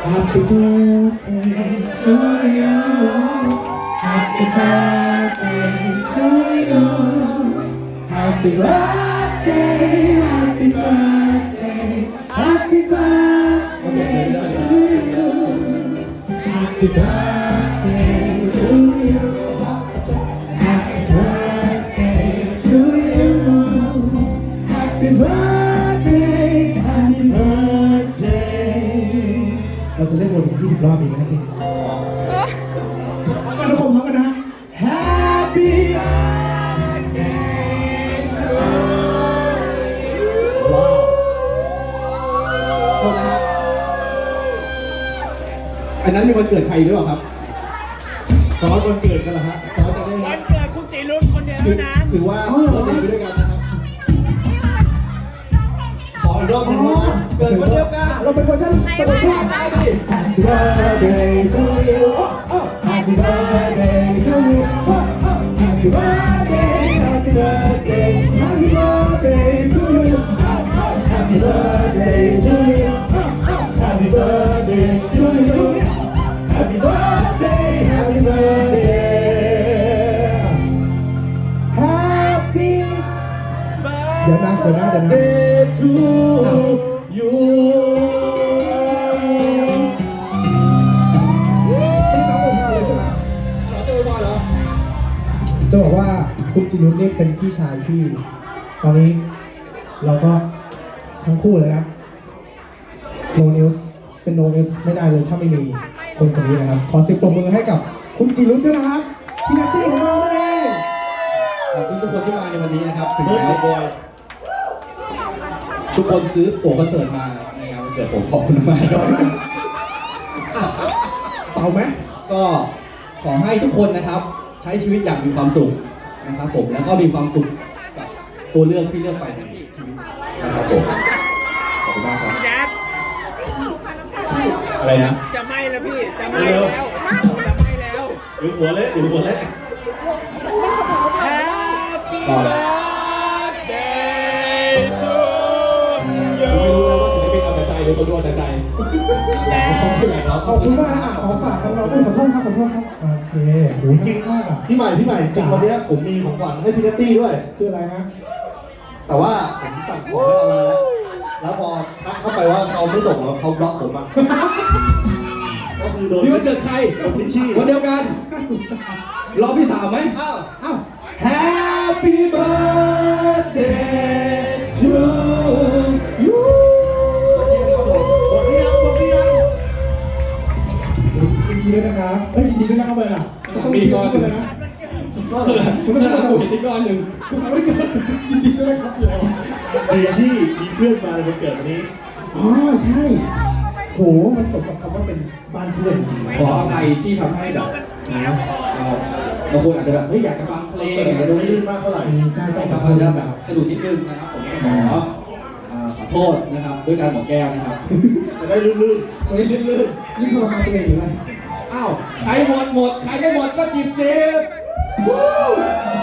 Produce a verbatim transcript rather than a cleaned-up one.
Happy birthday to you Happy birthday to you Happy birthday Happy birthday Happy birthday to you Happy birthday to you Happy birthday to you Happy birthday Happy birthday เราจะเล่นวนอีกยี่สิบรอบอีกไหมพี่พร้อมกันทุกคนพร้อมกันนะ Happy birthday to you ว้าวโทษนะฮะอันนั้นมีวันเกิดใครหรือเปล่าครับซอสวันเกิดกันเหรอฮะซอสจะได้วันเกิดคุณสีรุ่นคนเดียวถือเท่านั้นถือว่าเราเดินไปด้วยกันนะครับขออีกรอบหนึงนะเกิดวันเดียวกันเราเป็นเวอร์ชันเป็นเวอร์ชันได้ดิ Happy birthday to you oh, oh. Happy birthday to you oh, oh. Happy birthday Happy birthday Happy birthday to you oh, oh. Happy birthday to you oh, oh. Happy birthday to you Happy birthday Happy birthday Happy เดี๋ยวนะเดี๋ยวนะเดี๋ยวนะ Day to you เราจะไปว่าเหรอจะบอกว่าคุณจิรุธนี่เป็นพี่ชายที่ตอนนี้เราก็ทั้งคู่เลยนะโนนิวส์เป็นโนนิวส์ไม่ได้เลยถ้าไม่มีคนคนนี้นะครับขอเสียงปรบมือให้กับคุณจิรุธด้วยนะครับพี่นัตตี้ของเรานั่นเองขอบคุณทุกคนที่มาในวันนี้นะครับถึงแม้ทุกคนซื้อตั๋วคอนเสิร์ตมาในงานวันเกิดผมขอบคุณมากครับเป่าไหมก็ขอให้ทุกคนนะครับ ใช้ชีวิตอย่างมีความสุขนะครับผมแล้วก็มีความสุขกับตัวเลือกที่เลือกไปในชีวิตนะครับผมขอบคุณมากครับพี่แดดอะไรนะจะไหม้แล้วพี่ จะไหม้แล้ว จะไหม้แล้วอยู่หัวเละอยู่หัวเละ Happy ต่อเลย birthday to ไม่ you รู้เลยว่าศิลปินเอาแต่ใจหรือคนดูเอาแต่ใจแดดขอบคุณมากนะอ่ะขอฝากน้องๆด้วยขอโทษครับขอโทษครับโอเคโหจริงมากอ่ะพี่ใหม่พี่ใหม่จริงวันเนี้ยผมมีของขวัญให้พี่เนตตี้ด้วยคืออะไรฮะแต่ว่าผมสั่งของไว้ออนไลน์แล้ว แล้วพอทักเข้าไปว่าเขาไม่ส่งแล้วเขาบล็อกผมอ่ะ ก็คือโดนนี่วันเกิดใครโดนพิชชี่วันเดียวกันรอบที่สามไหมอ้าวอ้าว Happy birthday to you หมดหรือยังหมดหรือยังยินดีด้วยนะครับเอ้ยยินดีด้วยนะครับเลยอ่ะต้องมีก่อนเลยนะก็เลยคุณต้องถ้าทำเราตัวเห็นที่ก้อนหนึ่งสุขภาพไม่เกินยินดีด้วยนะครับเลยดีที่มีเพื่อนมาในวันเกิดวันนี้อ๋อใช่โหมันสมกับคำว่าเป็นบ้านเพื่อนจริงขออภัยที่ทำให้แบบนะบางคนอาจจะแบบเฮ้ยอยากจะฟังเพลงแต่อยากจะไม่ดูได้นี่ลื่นมากเท่าไหร่ใช่ต้องแต่ขออาจโทจะษแบบสะดุดนิดนึงนะครับผมขออ่าขอโทษนะครับด้วยการบอกแก้วนะครับจะได้ลื่นตรงนี้ลื่นนี่ทรมานตัวเองหรืออะไรๆอ้าวใครหมดหมดใครไม่หมดก็จิบจิบ